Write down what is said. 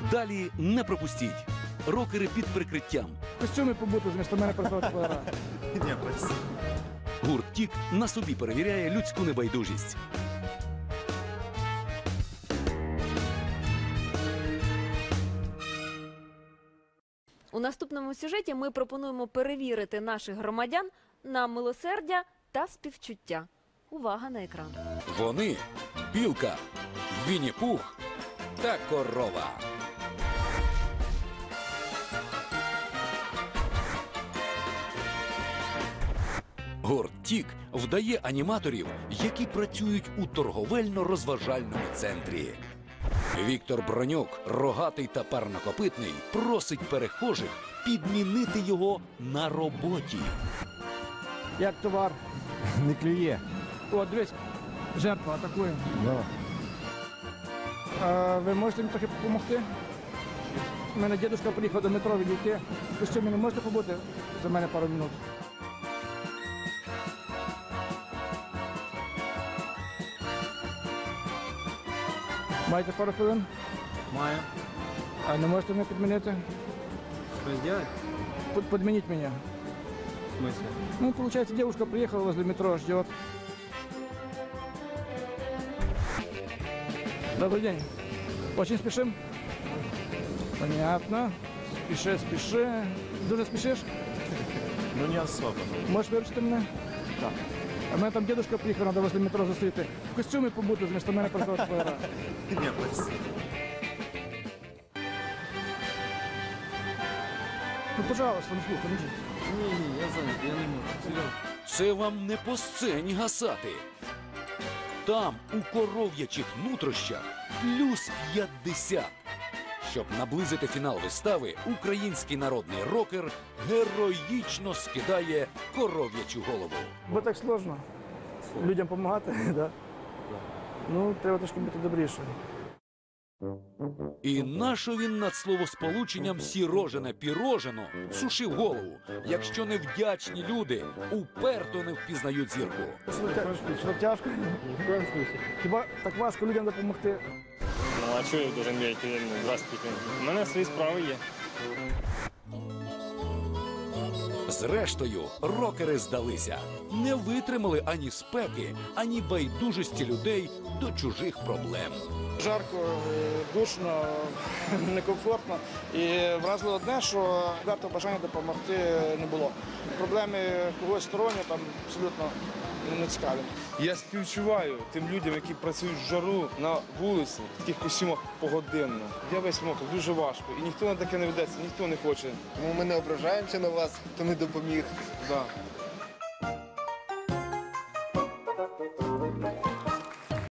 Далі не пропустіть. Рокери під прикриттям. В костюмі побути, змісто мене працювати полера. Ні, спасибо. Гурт «Тік» на собі перевіряє людську небайдужість. У наступному сюжеті ми пропонуємо перевірити наших громадян на милосердя та співчуття. Увага на екран. Вони – білка, Вінні-Пух та корова. Гурт «Тік» вдає аніматорів, які працюють у торговельно-розважальному центрі. Віктор Бронюк, рогатий та парнокопитний, просить перехожих підмінити його на роботі. Як товар. Не клює. О, дивись, жертва атакує. Да. Ви можете мені трохи допомогти? У мене дідусь приїхав до метро відійти. В костюмі не можете побути за мене пару минут? Маєте пару хвилин? Маю. А не можете мене підмінити? Что сделать? Подменить меня. В смысле? Ну, получается, девушка приехала возле метро, ждет. Добрый день. Очень спешим? Понятно. Спеши, спеши. Дуже спешишь? Ну не особо. Можешь виручити мене? Так. А в мене там дедушка приїхав, треба возле метро зустріти. В костюмі побути, змісто мене працювати полера. Ні, спасибо. Ну, пожалуйста, ну слухай, ну. Не, я занят, я не могу. Серьезно. Це вам не по сцені гасати. Там, у коров'ячих нутрощах, плюс 50. Щоб наблизити фінал вистави, український народний рокер героїчно скидає коров'ячу голову. Бо так сложно. Людям допомагати, да? Ну, треба трошки бути добріше. І нащо він над словосполученням «сірожене-пірожено» сушив голову, якщо невдячні люди уперто не впізнають зірку. Що тяжко? Ни в коем случае. Хіба так важко людям допомогти? Ну, а чого я должен бігати? Здравствуйте. У мене свої справи є. Зрештою, рокери здалися. Не витримали ані спеки, ані байдужості людей до чужих проблем. Жарко, душно, некомфортно. І вразило одне, що варто бажання допомогти не було. Проблеми когось сторонньо там абсолютно не цікаві. Я співчуваю тим людям, які працюють в жару на вулиці, в таких костюмах погодинно. Я весь мокрий, дуже важко. І ніхто на таке не ведеться, ніхто не хоче. Тому ми не ображаємося на вас, хто не допоміг. Да.